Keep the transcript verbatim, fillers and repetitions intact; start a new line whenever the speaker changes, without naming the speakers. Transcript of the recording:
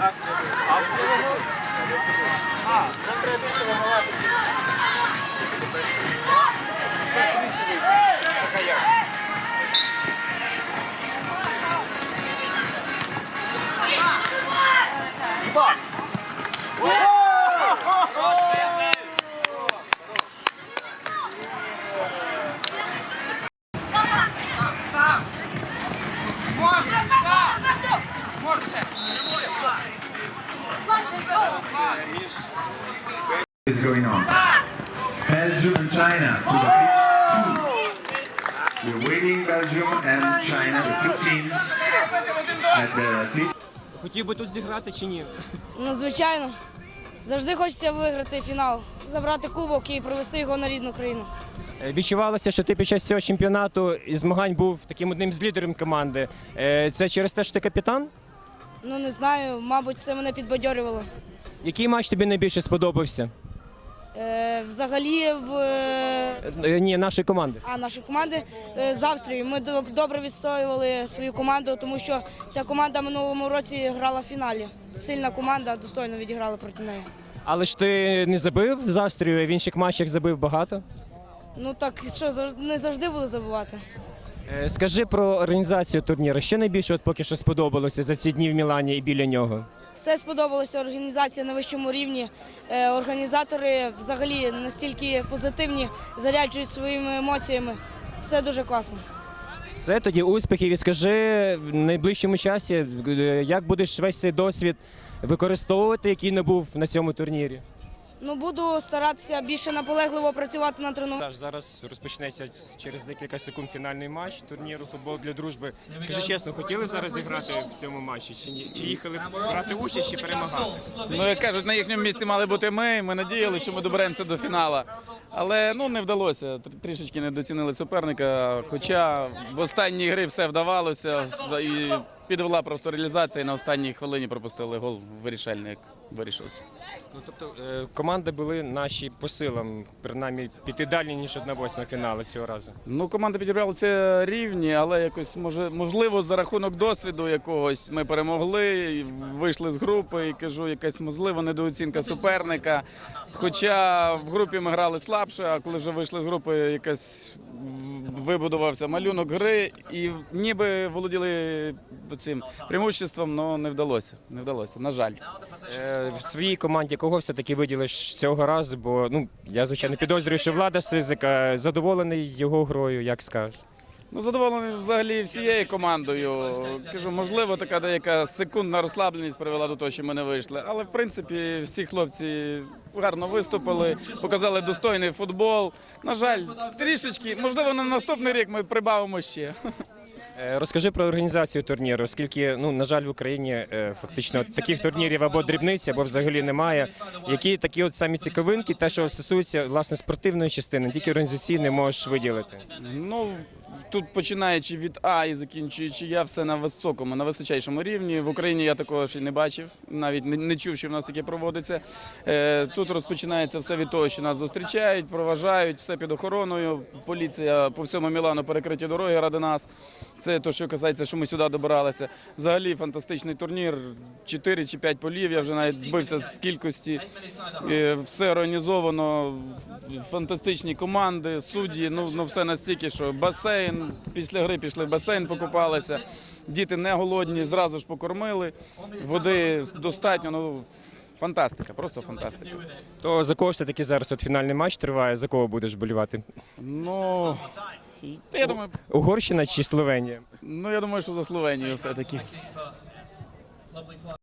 А, нам треба більше вимагати.
Is going on. Belgium and China to the pitch. We're waiting Belgium and China, the two teams at the pitch.
Хотів би тут зіграти чи ні?
Ну, звичайно. Завжди хочеться виграти фінал, забрати кубок і привезти його на рідну країну.
Відчувалося, що ти під час цього чемпіонату і змагань був таким одним з лідерів команди. Це через те, що ти капітан?
Ну, не знаю, мабуть, це мене підбадьорювало.
Який матч тобі найбільше сподобався?
Е, взагалі, в
Е, Ні, нашої команди.
а, нашої команди е, з Австрією ми до- добре відстоювали свою команду, тому що ця команда в минулому році грала в фіналі. Сильна команда, достойно відіграла проти неї.
Але ж ти не забив з Австрією, а в інших матчах забив багато.
Ну так, що, завж- не завжди буду забувати.
Е, Скажи про організацію турніру. Що найбільше от поки що сподобалося за ці дні в Мілані і біля нього?
Все сподобалося, організація на вищому рівні. Е, Організатори взагалі настільки позитивні, заряджують своїми емоціями. Все дуже класно.
Все, тоді успіхів і скажи в найближчому часі, е, як будеш весь цей досвід використовувати, який не був на цьому турнірі?
Ну, буду старатися більше наполегливо працювати на тренуванні.
Зараз розпочнеться через декілька секунд фінальний матч турніру «Футбол для дружби». Скажи чесно, хотіли зараз зіграти в цьому матчі чи ні? Чи їхали брати участь чи перемагати?
Ну, як кажуть, на їхньому місці мали бути ми. Ми надіялися, що ми доберемося до фіналу. Але ну, не вдалося. Тр- Трішечки недоцінили суперника. Хоча в останній грі все вдавалося. І підвела просто реалізація. І на останній хвилині пропустили гол вирішальний, як вирішився.
Ну, тобто е, команди були наші по силам, принаймні піти далі, ніж одна восьма фіналу цього разу.
Ну, команди підібралися рівні, але якось може, можливо за рахунок досвіду якогось ми перемогли, і вийшли з групи і кажу, якась можливо недооцінка суперника. Хоча в групі ми грали слабше, а коли вже вийшли з групи, якась вибудувався малюнок гри і ніби володіли цим преимуществом, але не вдалося. Не вдалося, на жаль.
Е, в своїй команді кого все-таки виділиш цього разу? Бо ну, я, звичайно, підозрюю, що Влада Сизика задоволений його грою, як скажеш?
Ну, задоволений взагалі всією командою. Кажу, можливо, така деяка секундна розслабленість привела до того, що ми не вийшли. Але, в принципі, всі хлопці гарно виступили, показали достойний футбол. На жаль, трішечки, можливо, на наступний рік ми прибавимо ще.
Е, Розкажи про організацію турніру, оскільки, ну, на жаль, в Україні е, фактично таких турнірів або дрібниці, або взагалі немає. Які такі от самі цікавинки, те, що стосується, власне, спортивної частини, тільки організаційної можеш виділити?
Ну, тут починаючи від А і закінчуючи я, все на високому, на височайшому рівні. В Україні я такого ще не бачив, навіть не, не чув, що в нас таке проводиться. Е, тут розпочинається все від того, що нас зустрічають, проважають, все під охороною. Поліція по всьому Мілану, перекриті дороги ради нас. Це те, що касається, що ми сюди добиралися. Взагалі фантастичний турнір, чотири чи п'ять полів, я вже навіть збився з кількості. Е, все організовано, фантастичні команди, судді, ну, ну все настільки, що басейн, після гри пішли в басейн, покупалися, діти не голодні, зразу ж покормили, води достатньо, ну фантастика, просто фантастика.
То за кого все-таки зараз от фінальний матч триває, за кого будеш болівати?
Ну, я думаю,
Угорщина чи Словенія?
ну, я думаю, що за Словенію все-таки.